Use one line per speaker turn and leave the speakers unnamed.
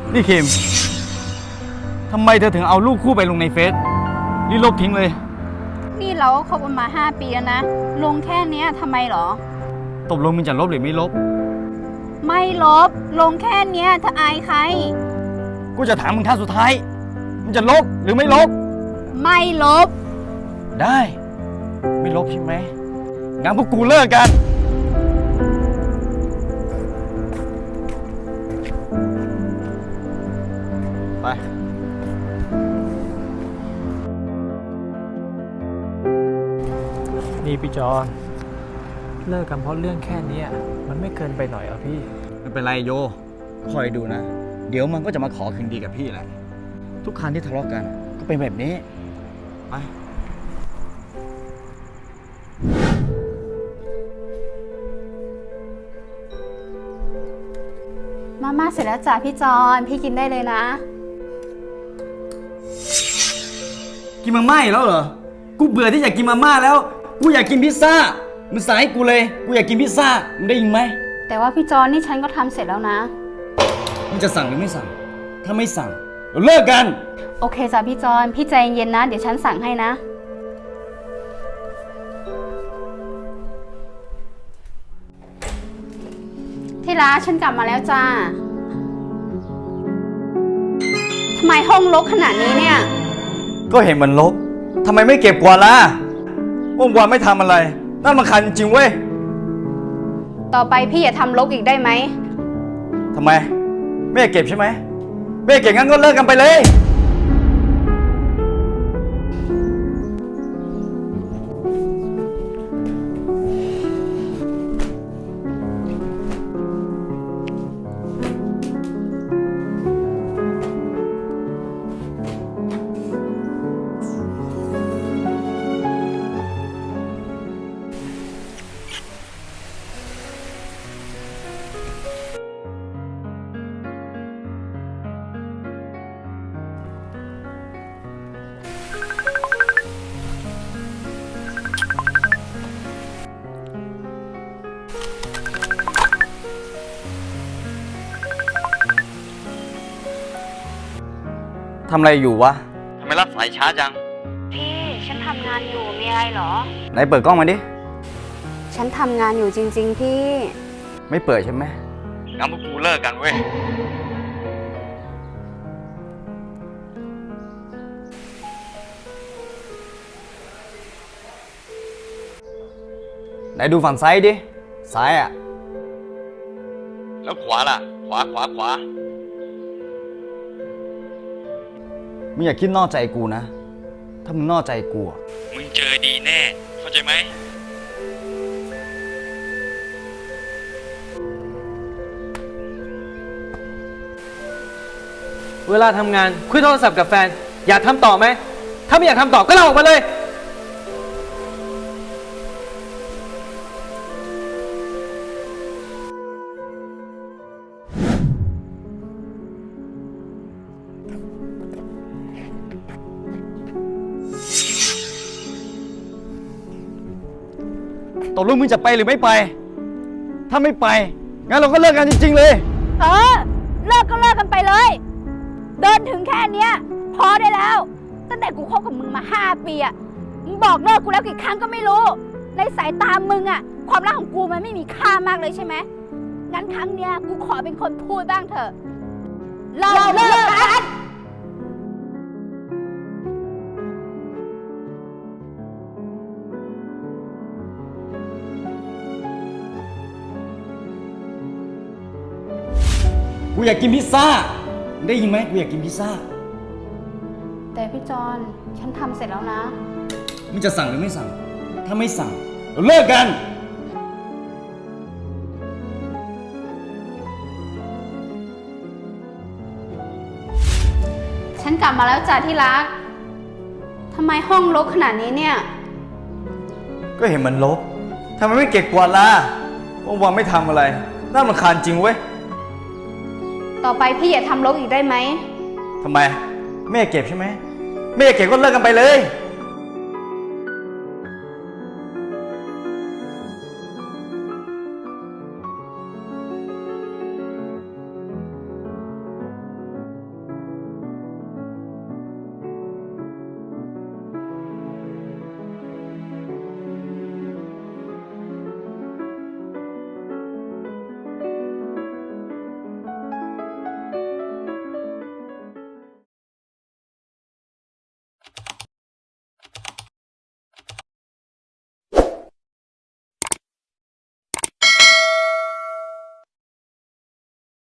นี่คิมทำไมเธอถึงเอารูปคู่ไปลงในเฟซรีบลบทิ้งเลย
นี่เราก็คบกันมา5 ปีแล้วนะลงแค่เนี้ยทำไมหรอ
ตกลงมึงจะลบหรือไม่ลบ
ไม่ลบลงแค่เนี้ยถ้าอายใคร
กูจะถามมึงครั้งสุดท้ายมึงจะลบหรือไม่ลบ
ไม่ลบ
ได้ไม่ลบใช่ไหมงั้นพวกกูเลิกกันไป
นี่พี่จอนเลิกกันเพราะเรื่องแค่นี้มันไม่เกินไปหน่อยเหรอพี่
ไม่เป็นไรโยคอยดูนะเดี๋ยวมันก็จะมาขอคืนดีกับพี่แหละทุกครั้งที่ทะเลาะกันก็เป็นแบบนี้ไป
มาม่าเสร็จแล้วจ้ะพี่จอนพี่กินได้เลยนะ
กินมาม่าอีกแล้วเหรอกูเบื่อที่อยากกินมาม่าแล้วกูอยากกินพิซซ่ามึงสั่งให้กูเลยกูอยากกินพิซซ่ามึงได้ยินไหม
แต่ว่าพี่จอนนี่ฉันก็ทำเสร็จแล้วนะ
มึงจะสั่งหรือไม่สั่งถ้าไม่สั่งเราเลิกกัน
โอเคจ้ะพี่จอนพี่ใจเย็นนะเดี๋ยวฉันสั่งให้นะที่รักฉันกลับมาแล้วจ้าทำไมห้องรกขนาดนี้เนี่ย
ก็เห็นมันรกทำไมไม่เก็บกวาดล่ะเมื่อวานไม่ทำอะไรนั่นมันคันจริงเว้ย
ต่อไปพี่อย่าทำรกอีกได้ไหม
ทำไมไม่เก็บใช่ไหมไม่เก็บงั้นก็เลิกกันไปเลยทำอะไรอยู่วะทำไมรับสายช้าจัง
พี่ฉันทำงานอยู่มีอะไรเหรอ
ไหนเปิดกล้องมาดิ
ฉันทำงานอยู่จริงๆพี่
ไม่เปิดใช่ไหมงั้นพวกกูเลิกกันเว้ยไหนดูฝั่งซ้ายดิซ้ายอ่ะแล้วขวาล่ะขวามึงอย่าคิดนอกใจกูนะถ้ามึงนอกใจกูมึงเจอดีแน่เข้าใจไหม
เวลาทำงานคุยโทรศัพท์กับแฟนอยากทำต่อไหมถ้าไม่อยากทำต่อก็ลาออกมาเลย
ตกลงมึงจะไปหรือไม่ไปถ้าไม่ไปงั้นเราก็เลิกกันจริงๆเลย
เลิกก็เลิกกันไปเลยเดินถึงแค่เนี้ยพอได้แล้วตั้งแต่กูคบกับมึงมา5 ปีอะมึงบอกเลิกกูแล้วกี่ครั้งก็ไม่รู้ในสายตามึงอะความรักของกูมันไม่มีค่ามากเลยใช่ไหมงั้นครั้งเนี้ยกูขอเป็นคนพูดบ้างเถอะเราเลิกกัน
กูอยากกินพิซซ่าได้ยินไหมกูอยากกินพิซซ่า
แต่พี่จอนฉันทำเสร็จแล้วนะ
มึงจะสั่งหรือไม่สั่งถ้าไม่สั่งเราเลิกกัน
ฉันกลับมาแล้วจ้ะที่รักทำไมห้องรกขนาดนี้เนี่ย
ก็เห็นมันรกทำไมไม่เก็บกวาดล่ะเมื่อวานไม่ทำอะไรน่ารำคาญจริงเว้ย
ต่อไปพี่อย่าทำรกอีกได้ไหม
ทำไมไม่เก็บใช่ไหมไม่เก็บก็เลิกกันไปเลย